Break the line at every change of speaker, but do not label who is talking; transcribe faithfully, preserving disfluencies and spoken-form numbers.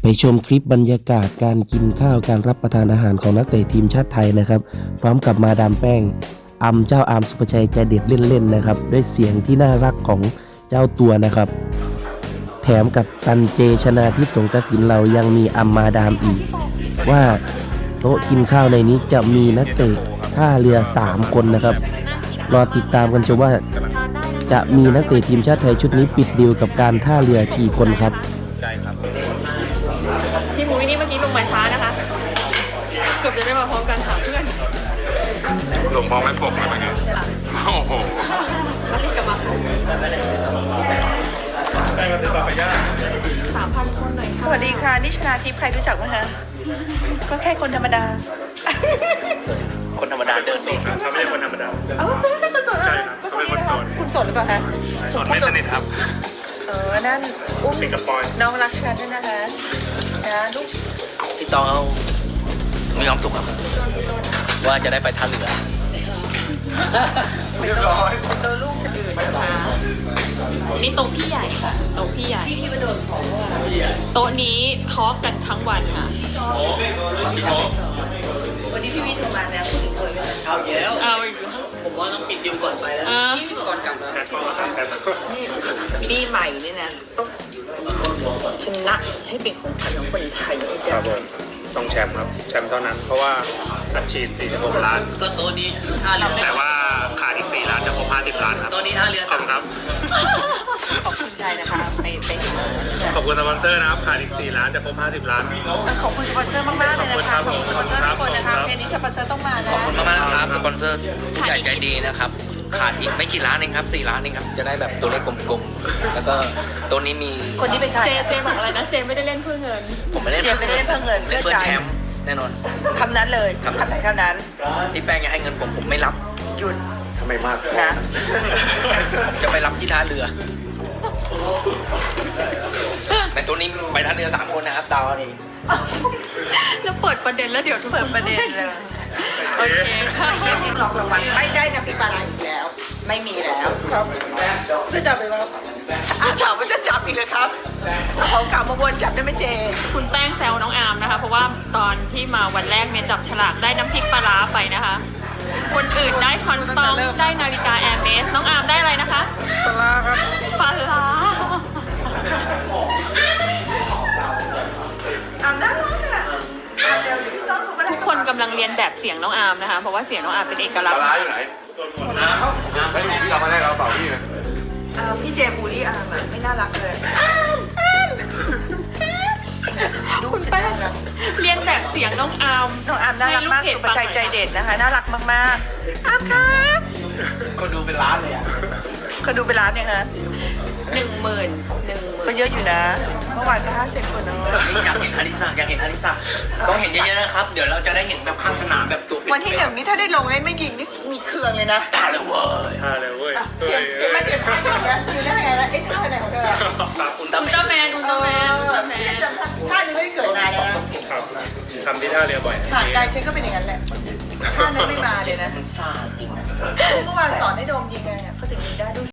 ไปชมคลิปบรรยากาศการกินข้าวการรับประทานอาหารของนักเตะทีมชาติไทยนะครับพร้อมกับมาดามแป้งอำเจ้าอามสุภชัยใจเด็ดเล่นๆนะครับด้วยเสียงที่น่ารักของเจ้าตัวนะครับแถมกับตันเจชนาทิพย์สงกสินเรายังมีอำมาดามอีกว่าโต๊ะกินข้าวในนี้จะมีนักเตะท่าเรือสามคนนะครับรอติดตามกันชมว่าจะมีนักเตะทีมชาติไทยชุดนี้ปิดดีลกับการท่าเรือกี่คนครับ
ใช่ครับ
พี่มุ้ยนี่เมื่อกี้ลงมาช้านะคะเกือบจะได้มาพร้อมกันสามเพื่อน
ลงพร้อมไม่ปกเลยเมื่อกี้โอ้โห
แล้วพี่กลับมา
ได้มาติดต่อไปย่า
สามพันคนหน่อย
สวัสดีค่ะนิชนาทิพย์ใครรู้จักไหมคะก็แค่คนธรรมดา
คนธรรมดาเดินนี่เขาไม่ใช่คนธรรมดา
เออเขาเป็นคนโสด
ใช่ครับเขาเป็นคนโสด
คุณโสดหรือเปล่าคะ
โสดไม่สนิทครับ
เออนั่นอุ้ม
ติดกับปอย
น้องรักฉันด้วยนะคะนะลูก
พี่ตองเอามีความสุขครับว่าจะได้ไปท่าเรือ
เรียบร้อยเป็นตัวลูกคนอื่นนะคะ
นี่โต๊ะพี่ใหญ่ค่ะโต๊ะพี่ใหญ่โต๊ะนี้ทอล์กกันทั้งวันค่ะ
วันนี้พี่วิทย์โทรมาแล้วพูดถึงตัวเลย
เอาเยอะ
เอาอีก
ผมว่าต้องปิดดิวก่อนไปแล้ว
พี่ก่อนกลับนะปีใหม่นี่นะต้องชนะให้เป็นของขวัญของคนไทย
ครับผมต้องแชมป์ครับแชมป์เท่านั้นเพราะว่าอัดฉีดสี่สิบหกล้าน
ก็ตัวนี้ท่าเรือ
แต่ว่าขาดอีกสี่ล้านจะครบห้าสิบล้านครับ
ตัวนี้ท่าเรือ
ขอบคุณครับ
ขอบคุณใจนะคะไปไปหา
ขอบคุณสปอนเซอร์นะครับขาดอีกสี่ล้านจะครบห้าสิบล้าน
ขอบคุณสปอนเซอร์มากๆเลยนะคะขอบคุณสปอนเซอร์ทุกคนนะคะเพลงนี้สปอนเซอร์ต้องมานะ
ขอบคุณมากๆครับสปอนเซอร์ผู้ใหญ่ใจดีนะครับขาดอีกไม่กี่ล้านเองครับสี่ล้านเองครับจะได้แบบตัวเลขกลมๆแล้วก็ตัวนี้มี
คนนี้เป็นใคร
เจเจบอกอะไรนะเจไม่ได้เล่นเพื่อเงิน
ผมไม่เล่น
เจไม่ได้เล่นเพื่อเงิน
เล่นเพื่อแชมป์แน่นอน
คำนั้นเลยคำไหนคำนั้น
ที่แป้งจะให้เงินผมผมไม่รับ
หยุด
ทำไมมาก
นะ
จะไปรับที่ท่าเรือในตัวนี้ไปท่าเรือสามคนนะครับดาวนี่
แล้วเปิดประเด็นแล้วเดี๋ยวทุกคน
เปิดประเด็นเลย
โอเคค่ะ
ไม่มีหลอกรางวัลไม่ได้นะพี่ปลาไหลอีกแล้วไม่มีแล้วครับจะจับไปว่าอาจับมันจะจับอีกเลยครับของเก่ามาวนจับได้ไหมเจ
คุณแป้งแซวน้องอาร์มนะคะเพราะว่าตอนที่มาวันแรกเนี่ยจับฉลากได้น้ำพริกปลาร้าไปนะคะคนอื่นได้คอนสตองได้นาฬิกาแอร์เมสน้องอาร์มได้อะไรนะคะ
ปลาร้าครับ
ปลาร้า
อาร์มน่ารักอ่ะ
ทุกคนกำลังเรียนแบบเสียงน้องอาร์มนะคะเพราะว่าเสียงน้องอาร์มเป็นเอกลักษณ์
ปลาอยู่ไหนไม่มีที่เรามาได้เราเปล่าพี่เลย
พี่เจบูลลี่อาร์มอ่ะไม่น่ารักเลย
คุณแป้งเรียนแบบเสียงน้องอาร์ม
น้องอาร์มน่ารักมากสุภชัยใจเด็ดนะคะน่ารักมากๆอาร์มครับ
คนดูเป็นล้านเลยอ่ะ
คนดูเป็นล้านเนี่ยฮะ
หนึ่งหมื่นหนึ่ง
ก็เยอะอยู่นะเมื่อวานก็ห้าสิบคนเนาะ
อยากเห็นอลิซาอยากเห็นอลิซาต้องเห็นเยอะๆนะครับเดี๋ยวเราจะได้เห็นแบบข้างสนามแบบตัว
วันที่หนึ่งนี่ถ้าได้ลงเล่นไม่ยิงนี่มีเครื่องเลยนะ
ตาเลยเว้ย
ตาเลยเว้ย
เตรียมเตรียมมาเตรียมมาอยู่ได้ไงแล้วไอ้ท่าไหนของเธอ
อุลตร้า
อุลตร้าแมนอุลตร้าแมนอุลตร้าแมน
ท่านี้ไม่เกิดนานแล้ว
ทำที่ท่าเรือบ่อย
ผ่านได้ฉันก็เป็นอย่างนั้นแหละท่านั้นไม่มาเลยนะ
มันซ่าจริงนะ
เมื่อวานสอนให้โดมยิงไงเขาถึงยิงได้ด้วย